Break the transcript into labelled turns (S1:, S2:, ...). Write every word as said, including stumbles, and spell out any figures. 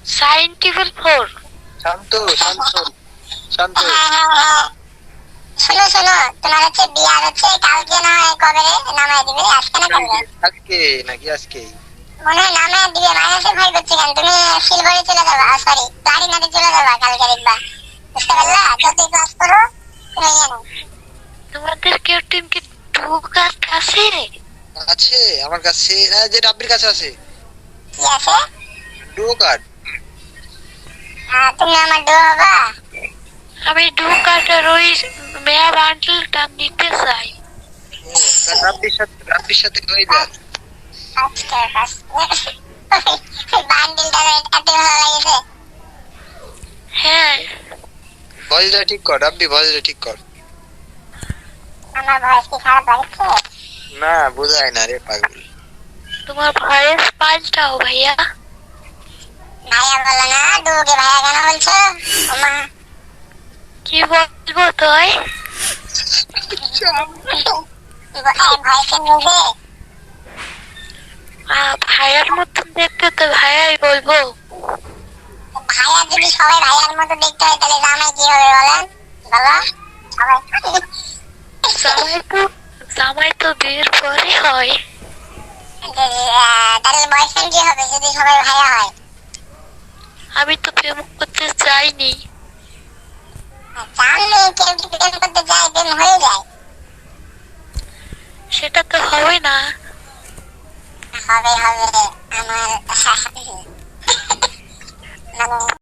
S1: Scientific four.
S2: শান্ত শান্ত শান্ত।
S3: শোনো শোনো, তোমার হচ্ছে বিয়া হচ্ছে কালকে না হয় কবে নামায় দিবে, আজকে না কালকে?
S2: আজকে নাকি আজকেই
S3: মনে হয় নামায় দিবে। মাইনাসে ভয় করছে কেন? তুমি সিলভারে চলে যাবা, সরি গাড়ি নাতে চলে যাবা কালকে দেখবা, বুঝতে পারলা? যতই ক্লাস করো তুমি জানো।
S1: তোমাদের কেউ টিম কি টু কার্ড আছে?
S2: আছে আমার কাছে, হ্যাঁ যে রাব্বির কাছে আছে।
S3: কি আছে?
S2: Duo card.
S3: আহ, তুমি আমার ডো হবা?
S1: আমি টু কার্ডের ওই মেয়া বান্ডেলটা নিতে চাই।
S2: রাব্বির সাথে রাব্বির সাথে কই যা।
S3: আজকে বান্ডিলটা এত ভালো লাগছে।
S1: হ্যাঁ,
S2: ভয়েসটা ঠিক কর রাব্বি, ভয়েসটা ঠিক কর।
S3: আমার ভয়েস কি খারাপ লাগছে?
S2: না বোঝায় না রে পাগল।
S1: তোমার ভয়েস পাল্টাও ভাইয়া।
S3: ভাইয়া বলো না, ডুকে ভাইয়া কেন বলছো? ওমা
S1: কি বলবো তুই?
S3: ভয়েসে নিজে
S1: ভাইয়ার মতন দেখতে তো ভাইয়াই বলবো।
S3: ভাইয়া যদি সবাই ভাইয়ার মতো দেখতে হয় তাহলে জামাই কি হবে বলেন? বলো সবাই।
S1: জামাই তো জামাই তো বিয়ের পরে হয়।
S3: তাহলে বয়ফ্রেন্ড কি হবে যদি সবাই ভাইয়া হয়?
S1: আমি তো প্রেম করতে চাইনি।
S3: জানলে কেউ কি প্রেম করতে যায়, প্রেম হয়ে যায়?
S1: সেটা তো হবে না।
S3: হবে হবে আমার মানে